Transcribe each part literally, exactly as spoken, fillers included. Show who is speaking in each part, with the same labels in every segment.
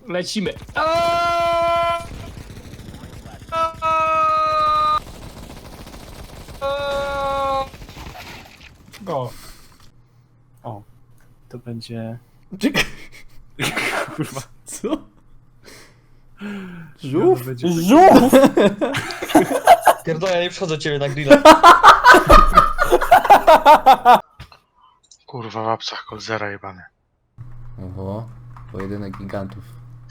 Speaker 1: Lecimy. Aaaa! Aaaa! Aaaa! Go. O, to będzie...
Speaker 2: Czekaj.
Speaker 1: Kurwa.
Speaker 2: Co? Żółw?
Speaker 1: Będzie...
Speaker 2: Żółw!
Speaker 3: Pierdolę, ja nie przychodzę do ciebie na grilla.
Speaker 4: Kurwa, w apsach kolzera jebany.
Speaker 2: Oho, pojedynek gigantów.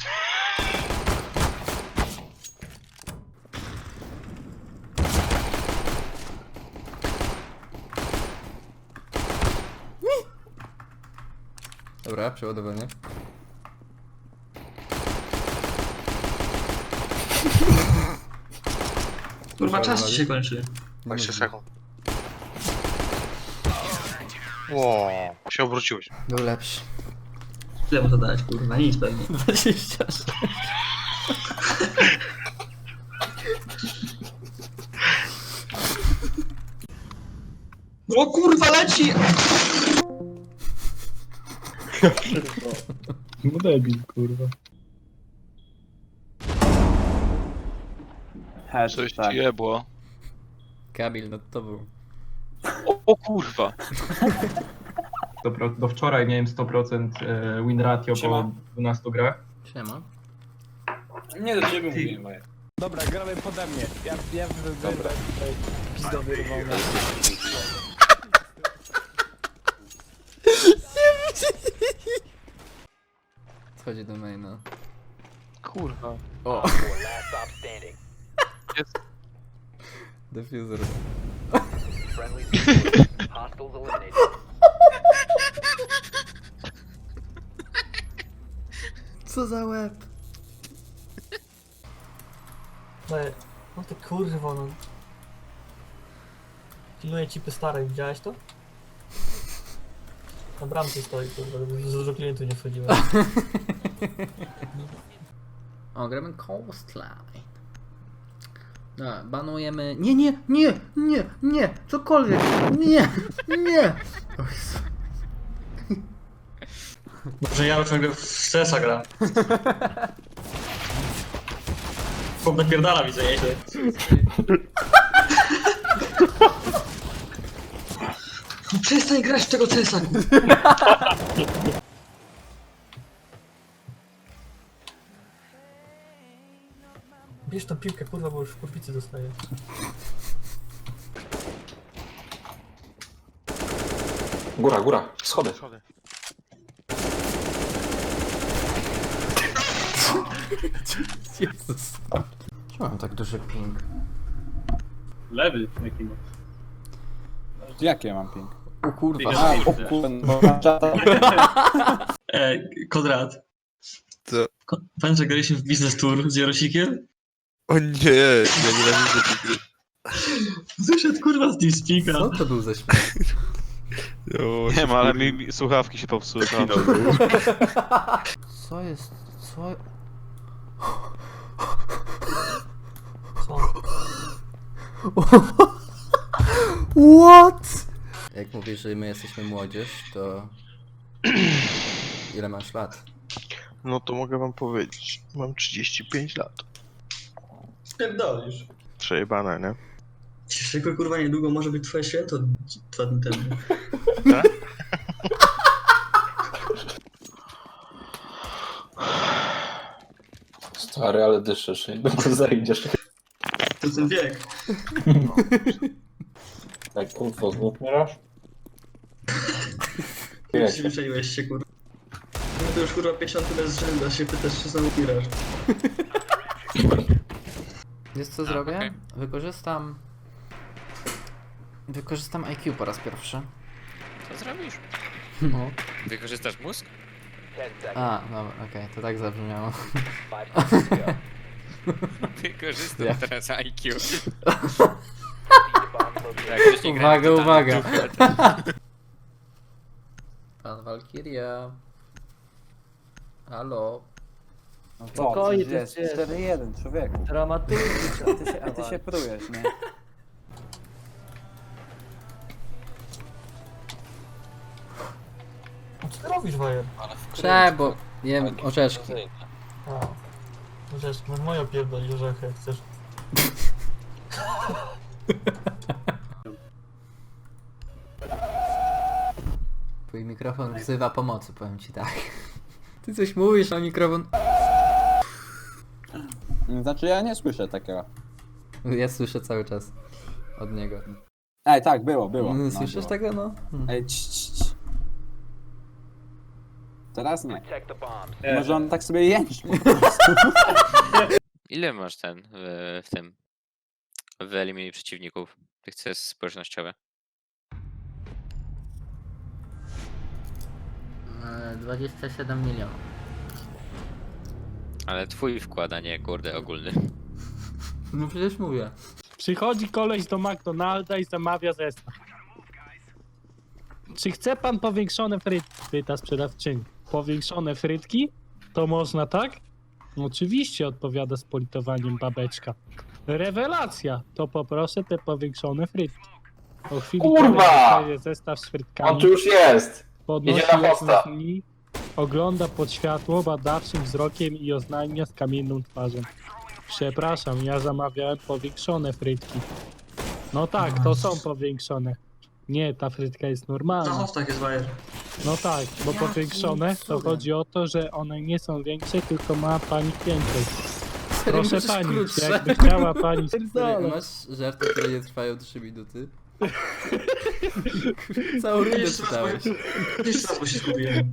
Speaker 2: Dobra, przeładowanie.
Speaker 3: Kurwa, czas ci się kończy.
Speaker 4: dwadzieścia sekund. Ło, się obróciłeś.
Speaker 2: Był lepszy.
Speaker 3: Ile mu to dać, kurwa? Nic pewnie.
Speaker 2: dwadzieścia sześć.
Speaker 3: O kurwa, leci!
Speaker 1: No debil, kurwa.
Speaker 4: Coś ci jebło.
Speaker 2: Kamil, no to był.
Speaker 4: O, o kurwa.
Speaker 5: Do, do wczoraj miałem sto procent win ratio po dwunastu grach.
Speaker 2: Siema.
Speaker 6: Nie do ciebie mówię, moje.
Speaker 1: Dobra, gramy pode mnie. Ja, ja wybieram tutaj pizdo wyrwał na...
Speaker 2: Schodzi do maina.
Speaker 4: Kurwa.
Speaker 2: O!
Speaker 4: Jest.
Speaker 2: Diffuser. Co za łeb?
Speaker 3: No ty kurwa, no. Pilnuję cipy starej, widziałeś to? Na bramce stoi, kurwa, żeby dużo klientów nie wchodziło.
Speaker 2: O, gramy Coastline. No, banujemy... Nie, nie, nie, nie, nie, cokolwiek, nie, nie. O Jezu.
Speaker 3: Może ja już ciągle w stresa gram. Chłop napierdala, widzę, nieźle. No przestań grać w tego C S a, kurwa. Bierz tą piłkę, kurwa, bo już w kurwicy dostaję.
Speaker 6: Góra, góra, schody.
Speaker 4: Schody.
Speaker 2: Jezus. Czemu mam tak duży ping?
Speaker 1: Lewy, jaki masz?
Speaker 6: Jakie mam ping?
Speaker 2: O kurwa.
Speaker 6: A, o kurwa, czata.
Speaker 3: E, Konrad.
Speaker 4: Co?
Speaker 3: Ko- Pamiętasz, że graliśmy w Business Tour z Jarosikiem?
Speaker 4: O nie, ja nienawidzę tej gry.
Speaker 3: Wyszedł kurwa z TeamSpeaka.
Speaker 2: Co to był za śmiech?
Speaker 4: Nie ma, ale mi, mi słuchawki się popsuły.
Speaker 2: Co jest? Co?
Speaker 3: Co?
Speaker 2: What? Jak mówisz, że my jesteśmy młodzież, to... Ile masz lat?
Speaker 4: No to mogę wam powiedzieć. Mam trzydzieści pięć lat.
Speaker 3: Pierdolisz.
Speaker 4: Przejebane, nie?
Speaker 3: Cieszego kurwa niedługo może być twoje święto dwa dni temu.
Speaker 4: Tak?
Speaker 6: Stary, ale dyszysz, niedługo zajdziesz.
Speaker 3: To ten wiek.
Speaker 6: Tak, kurwa, znów mierasz?
Speaker 3: Przyzwyczaiłeś się kurwa. No to już kurwa pięćdziesiąty bez rzędu, a się pytasz czy znowu grasz.
Speaker 2: Wiesz co zrobię? Wykorzystam... Wykorzystam I Q po raz pierwszy.
Speaker 7: Co zrobisz?
Speaker 2: No.
Speaker 7: Wykorzystasz mózg?
Speaker 2: A, dobra, okej, to tak zabrzmiało.
Speaker 7: Wykorzystam
Speaker 2: Ja.
Speaker 7: teraz I Q. Jak ktoś nie gra,
Speaker 2: Uwaga,
Speaker 7: to tam
Speaker 2: uwaga.
Speaker 7: dupę, to-
Speaker 2: Pan Valkyria. Halo.
Speaker 8: No
Speaker 3: Spokojnie,
Speaker 8: to
Speaker 3: to
Speaker 8: jest
Speaker 3: jest-
Speaker 8: cztery jeden, człowieku.
Speaker 3: Dramatycznie.
Speaker 8: A ty się, a ty się prujesz, nie?
Speaker 3: Co ty robisz, Wajer?
Speaker 2: Cześć, bo jem orzeszki.
Speaker 9: A, no wiesz, no moja pierdoli orzechy, jak chcesz.
Speaker 2: Twój mikrofon wzywa pomocy, powiem ci tak. Ty coś mówisz, a mikrofon...
Speaker 6: Znaczy ja nie słyszę takiego.
Speaker 2: Ja słyszę cały czas od niego.
Speaker 6: Ej, tak, było, było.
Speaker 2: Mm,
Speaker 6: No,
Speaker 2: Słyszysz
Speaker 6: było.
Speaker 2: tego, no? Hmm.
Speaker 6: Ej, cii, cii, cii. Teraz nie. Może on tak sobie jęczy po prostu.
Speaker 7: Ile masz ten w, w tym? Wyeliminuj przeciwników. Tych C S społecznościowe.
Speaker 2: E, dwadzieścia siedem milionów.
Speaker 7: Ale twój wkład, a nie kurde ogólny.
Speaker 2: No przecież mówię.
Speaker 1: Przychodzi koleś do McDonalda i zamawia zestaw. Czy chce pan powiększone frytki? Pyta sprzedawczyni. Powiększone frytki? To można, tak? Oczywiście, odpowiada z politowaniem babeczka. Rewelacja! To poproszę te powiększone frytki. Po chwili
Speaker 6: Kurwa!
Speaker 1: koleś dostaje zestaw z frytkami.
Speaker 6: On tu już jest!
Speaker 1: Podnosi
Speaker 6: Jedzie na
Speaker 1: jedną
Speaker 6: hosta.
Speaker 1: z nich, ogląda pod światło badawczym wzrokiem i oznajmia z kamienną twarzą. Przepraszam, ja zamawiałem powiększone frytki. No tak, to są powiększone. Nie, ta frytka jest
Speaker 3: Na
Speaker 1: normalna.
Speaker 3: hostach jest bajer.
Speaker 1: No tak, bo
Speaker 2: Jakim
Speaker 1: powiększone to
Speaker 2: cudem?
Speaker 1: chodzi o to, że one nie są większe, tylko ma pani więcej. Proszę
Speaker 2: Możesz
Speaker 1: pani,
Speaker 2: krótsze.
Speaker 1: jakby chciała pani...
Speaker 2: Stary, masz żarty, które nie trwają trzy minuty? Całą rundę
Speaker 3: Jeszcze raz, bo,
Speaker 2: czytałeś.
Speaker 3: jeszcze raz, bo się zgubiłem.